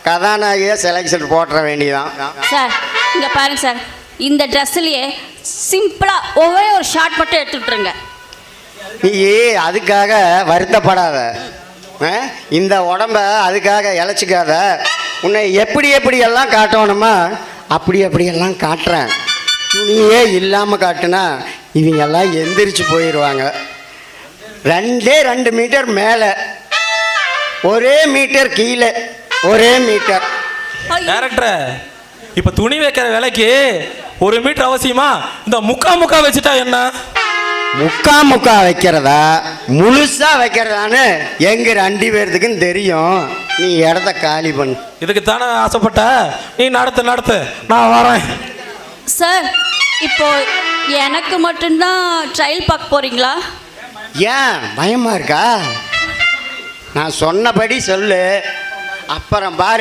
கதாநாயகியை selection போட்டுற வேண்டியதான். Sir இங்கே பாருங்க சார், இந்த ட்ரெஸ்ஸுலேயே சிம்பிளாக ஒரே ஒரு ஷார்ட் மட்டும் எடுத்துட்டுருங்க. நீ அதுக்காக வருத்தப்படாத, இந்த உடம்ப அதுக்காக இழைச்சிக்காத. உன்னை எப்படியெல்லாம் காட்டணுமா அப்படியெல்லாம் காட்டுறேன். துணியே இல்லாமல் காட்டுனா இவங்கெல்லாம் எந்திரிச்சு போயிடுவாங்க. 2 மீட்டர் மேலே, 1 மீட்டர் கீழே, 1 மீட்டர். டைரக்டர், இப்போ துணி வைக்கிற விலைக்கு 1 மீட்டர் அவசியமா? இந்த முக்கா வச்சுட்டா என்ன? முக்கா வைக்கிறதா முழுசா வைக்கிறதான்னு எங்க 2 பேர்த்துக்கும் தெரியும். நீ இடத்த காலி பண்ணு. இதுக்கு தானே ஆசைப்பட்ட? நீ நடத்து, நான் வரேன். சார் இப்போ எனக்கு மட்டும்தான் ட்ரையல் பார்க்க போறீங்களா? ஏன் பயமா இருக்கா? நான் சொன்னபடி சொல்லு, அப்புறம் பாரு.